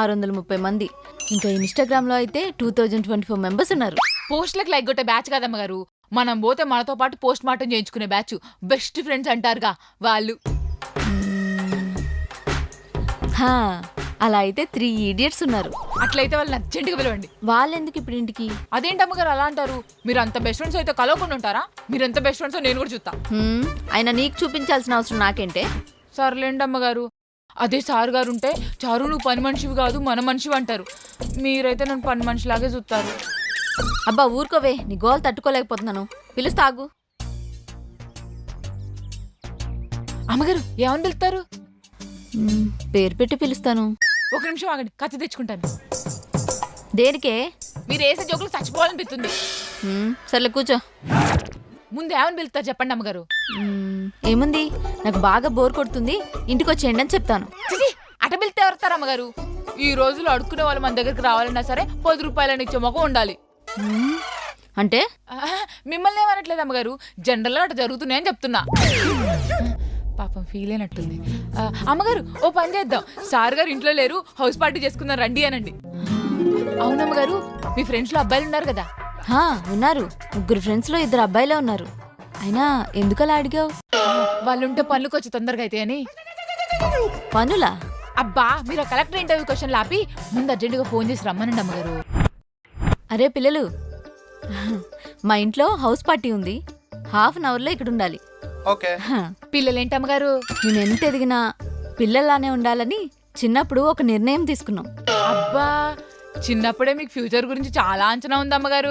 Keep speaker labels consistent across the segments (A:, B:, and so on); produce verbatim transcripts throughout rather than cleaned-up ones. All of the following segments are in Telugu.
A: ఆరు వందల ముప్పై మంది. ఇంకా ఇన్స్టాగ్రామ్ లో అయితే two thousand twenty four members ఉన్నారు.
B: పోస్ట్లకు లైక్ కొట్టే బ్యాచ్ కదమ్మ గారు, మనం పోతే మనతో పాటు పోస్ట్ మార్టం చేయించుకునే బ్యాచ్, బెస్ట్ ఫ్రెండ్స్ అంటారుగా వాళ్ళు.
A: హా, అలా అయితే త్రీ ఇడియట్స్ ఉన్నారు.
B: అట్లయితే వాళ్ళని అర్జెంటుగా పిలవండి.
A: వాళ్ళెందుకు ఇప్పుడు ఇంటికి?
B: అదేంటమ్మ గారు అలా అంటారు? మీరు అంత బెస్ట్ ఫ్రెండ్స్ అయితే కలవకుండా ఉంటారా? మీరు ఎంత బెస్ట్ ఫ్రెండ్స్ నేను కూడా చూస్తా.
A: అయినా నీకు చూపించాల్సిన అవసరం నాకేంటే?
B: సర్లేండి అమ్మగారు. అదే సార్ గారు ఉంటే, చారు నువ్వు పని మనిషివి కాదు మన మనిషివి అంటారు. మీరైతే నన్ను పని మనిషిలాగే చూస్తారు.
A: అబ్బా ఊరుకోవే, నీ గోల్ తట్టుకోలేకపోతున్నాను. పిలుస్తాగు.
B: అమ్మగారు ఏమని పిలుస్తారు?
A: పేరు పెట్టి పిలుస్తాను.
B: ఒక నిమిషం ఆగండి, కత్తి తెచ్చుకుంటాను.
A: దేనికే?
B: మీరు వేసే జోకులు చచ్చిపోవాలనిపిస్తుంది.
A: సర్లే కూర్చో.
B: ముందు ఏమని పిలుస్తారు చెప్పండి అమ్మగారు.
A: ఏముంది, నాకు బాగా బోర్ కొడుతుంది, ఇంటికి వచ్చేయండి అని చెప్తాను.
B: అట పిలితే ఎవరుతారు అమ్మగారు? ఈ రోజులు అడుక్కునే వాళ్ళు మన దగ్గరికి రావాలన్నా సరే పది రూపాయలని ఇచ్చే మొగం ఉండాలి.
A: అంటే
B: మిమ్మల్ని ఏమనట్లేదు అమ్మగారు, జనరల్గా అటు జరుగుతున్నాయని చెప్తున్నా. పాపం ఫీల్ అయినట్టుంది. అమ్మగారు ఓ పని చేద్దాం, సార్ గారు ఇంట్లో లేరు, హౌస్ పార్టీ చేసుకుందాం రండి అనండి. అవునమ్మగారు, మీ ఫ్రెండ్స్ లో అబ్బాయిలు ఉన్నారు కదా?
A: ఉన్నారు, ముగ్గురు ఫ్రెండ్స్ లో ఇద్దరు అబ్బాయిలే ఉన్నారు. అయినా ఎందుకలా అడిగావు?
B: వాళ్ళుంటే పనులకు వచ్చి తొందరగా అయితే అని.
A: పనులా?
B: అబ్బా, మీరు ఆ కలెక్టర్ ఇంటర్వ్యూ క్వశ్చన్ ఆపి ముందు అర్జెంటుగా ఫోన్ చేసి రమ్మనండి అమ్మగారు.
A: అరే పిల్లలు, మా ఇంట్లో హౌస్ పార్టీ ఉంది, హాఫ్ అన్ అవర్ లో ఇక్కడ ఉండాలి.
B: పిల్లలేంటి అమ్మగారు?
A: నేను ఎంత ఎదిగినా పిల్లలానే ఉండాలని చిన్నప్పుడు ఒక నిర్ణయం తీసుకున్నాం.
B: అబ్బా, చిన్నప్పుడే మీకు ఫ్యూచర్ గురించి చాలా అంచనా ఉంది అమ్మగారు.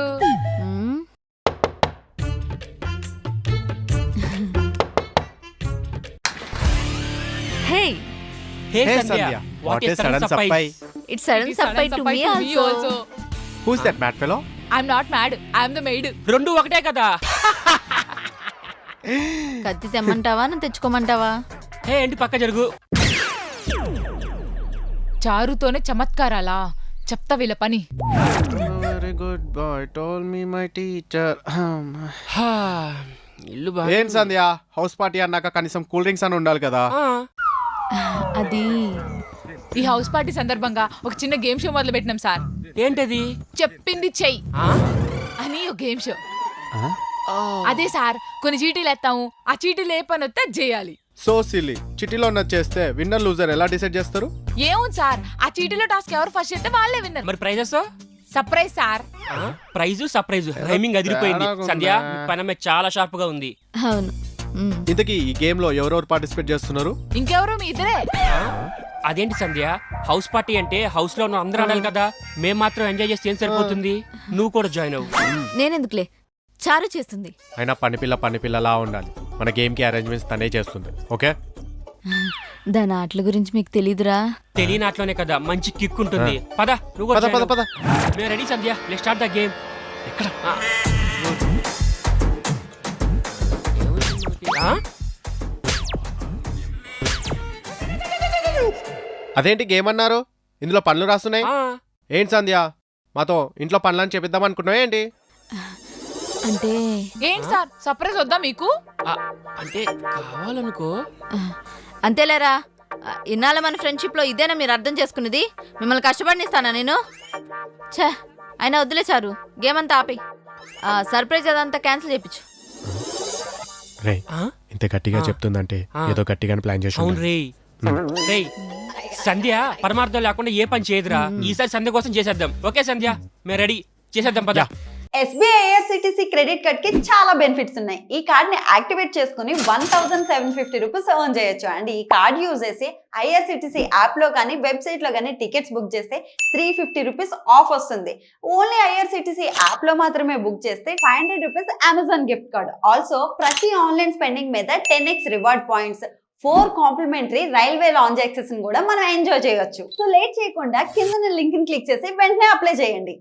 A: హే
C: Hey Sandhya, what is sudden surprise?
A: It's sudden surprise to me also.
C: Who's that mad fellow?
B: I'm not mad, I'm the maid.
D: రెండు ఒకటే కదా.
A: కత్తి తెమ్మంటావా నన్ను తెచ్చుకోమంటావా?
D: హే ఏంటి పక్క జరుగు.
B: చారుతోనే చమత్కారాలా? చెప్తా వీళ్ళ పని.
C: Very good boy told me my teacher.
D: ఇల్లు బా.
C: ఏం సంధ్య, హౌస్ పార్టీ అన్నాక కనీసం కూల్ డ్రింక్స్ అని ఉండాలి కదా.
A: అది
B: ఈ హౌస్ పార్టీ సందర్భంగా ఒక చిన్న గేమ్ షో మొదలు పెట్టినాం సార్.
D: ఏంటది?
B: చెప్పింది చెయ్యి అని ఒక గేమ్ షో. అదే సార్, కొన్ని చీటీలు ఎత్తాము, ఆ చీటీలు ఏ పని వస్తే చేయాలి.
C: సో సిల్లీ, చిటీలో ఉన్నది చేస్తే విన్నర్ లూజర్ ఎలా డిసైడ్ చేస్తారు?
B: ఏముంది సార్, ఆ చీటీలో టాస్క్ ఎవరు ఫస్ట్ చేస్తే వాళ్ళే విన్నర్.
D: మరి prizes?
B: Surprise sir.
D: Prize surprise rhyming అదిరిపోయింది. సంధ్య పనమే చాలా షార్ప్ గా ఉంది.
A: అవును.
C: ఇంతకీ ఈ గేమ్ లో ఎవరెవరు పార్టిసిపేట్ చేస్తున్నారు?
B: ఇంకెవరు, మీ ఇద్దరే.
D: అదేంటి సంధ్య, హౌస్ పార్టీ అంటే హౌస్ లో ఉన్న అందరూ ఆడాలి కదా, మేం మాత్రం ఎంజాయ్ చేస్తే ఏం సరిపోతుంది? నువ్వు కూడా జాయిన్ అవ్వు.
A: నేనెందుకులే, చారు చేస్తుంది.
C: అయినా పని పిల్ల పని పిల్లలా ఉండాలి. మన గేమ్ కి అరేంజ్మెంట్స్ తనే చేస్తుంది. ఓకే,
A: దాని ఆటల గురించి మీకు తెలీదురా?
D: తెలియని ఆటలోనే కదా మంచి కిక్ ఉంటుంది. పద నువ్వు
C: పద పద పద.
D: మేము ready Sandhya, let's start the game.
C: ఎక్కడ? అదేంటి గేమ్ అన్నారు? ఇందులో పనులు రాస్తున్నాయి. ఏంటి సంధ్య, మాతో ఇంట్లో పనులని చెప్పిద్దాం అనుకున్నావు ఏంటి?
A: అంటే
B: ఏంటి సార్, సర్ప్రైజ్ వద్దా మీకు?
D: అంటే కావాలనుకో.
A: అంతేలేరా, ఇన్నాళ్ళ మన ఫ్రెండ్షిప్ లో ఇదేనా మీరు అర్థం చేసుకున్నది? మిమ్మల్ని కష్టపడినిస్తానా నేను? ఛే, అయినా వద్దులే చారు, గేమ్ అంతా ఆపి సర్ప్రైజ్ అదంతా క్యాన్సిల్ చేయించు.
C: రే, ఇంత గట్టిగా చెప్తుందంటే ఏదో గట్టిగానే ప్లాన్ చేసి.
D: అవును రే. రే సంధ్య పరమార్థం లేకుండా ఏ పని చేయదురా. ఈసారి సంధ్య కోసం చేసేద్దాం. ఓకే సంధ్య, మేము రెడీ, చేసేద్దాం పద.
E: ఎస్బీఐ ఐఆర్సిటిసి క్రెడిట్ కార్డ్ కి చాలా బెనిఫిట్స్ ఉన్నాయి. ఈ కార్డ్ ని యాక్టివేట్ చేసుకుని one thousand seven fifty rupees earn చేయొచ్చు. అండ్ ఈ కార్డ్ యూజ్ చేసి ఐఆర్సిటిసి యాప్ లో కానీ వెబ్సైట్ లో కానీ టికెట్స్ బుక్ చేస్తే త్రీ ఫిఫ్టీ రూపీస్ ఆఫ్ వస్తుంది. ఓన్లీ ఐఆర్సిటిసి యాప్ లో మాత్రమే బుక్ చేస్తే five hundred rupees Amazon gift card. Also ప్రతి ఆన్లైన్ స్పెండింగ్ మీద ten X reward points, four complimentary railway lounge access కూడా మనం ఎంజాయ్ చేయొచ్చు. సో లేట్ చేయకుండా కింద లింక్ ని క్లిక్ చేసి వెంటనే అప్లై చేయండి.